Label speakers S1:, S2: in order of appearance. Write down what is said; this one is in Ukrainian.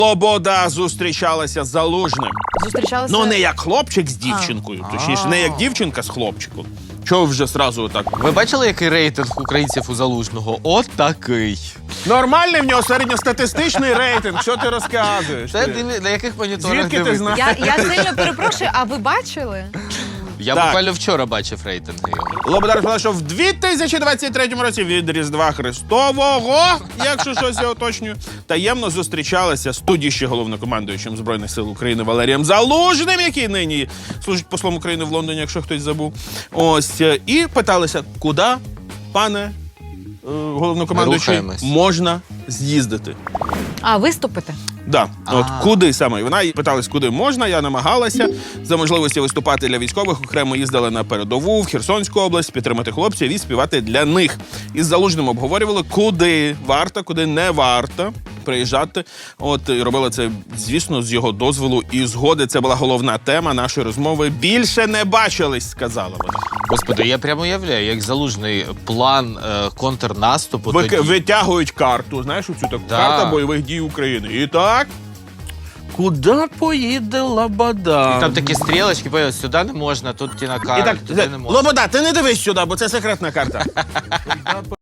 S1: Лобода зустрічалася з Залужним.
S2: Зустрічалися...
S1: Ну, не як хлопчик з дівчинкою, точніше, не як дівчинка з хлопчиком. Чого вже сразу так?
S3: Ви бачили, який рейтинг українців у Залужного? От такий.
S1: Нормальний в нього середньостатистичний рейтинг, що ти розказуєш?
S3: Це
S1: ти?
S3: на яких моніторах
S1: Звідки ти
S3: дивитесь?
S1: знаєш?
S2: Я сильно перепрошую, а ви бачили?
S3: Я
S1: Так.
S3: буквально вчора бачив рейтинги його.
S1: Лобода розповіла, що в 2023 році від Різдва Христового, якщо щось я уточнюю, таємно зустрічалася з тоді ще головнокомандуючим Збройних сил України Валерієм Залужним, який нині служить послом України в Лондоні, якщо хтось забув. Ось, і питалися, куди, пане головнокомандуючий,
S3: Рухаємось.
S1: можна з'їздити.
S2: А, виступити?
S1: Да, от куди саме? Вона питалась, куди можна, я намагалася. За можливості виступати для військових окремо їздили на передову, в Херсонську область, підтримати хлопців і співати для них. Із Залужним обговорювали, куди варто, куди не варто приїжджати. От, і робила це, звісно, з його дозволу і згоди. Це була головна тема нашої розмови. Більше не бачились, сказала вона.
S3: Господи, я прямо уявляю, як Залужний план контрнаступу тоді.
S1: Витягують карту, знаєш, оцю таку
S3: Да.
S1: карта бойових дій України. І так, куди поїде Лобода?
S3: Там такі стрілочки, появ, сюди не можна, тут ті на
S1: І
S3: карті,
S1: так,
S3: туди не можна.
S1: Лобода, ти не дивись сюди, бо це секретна карта.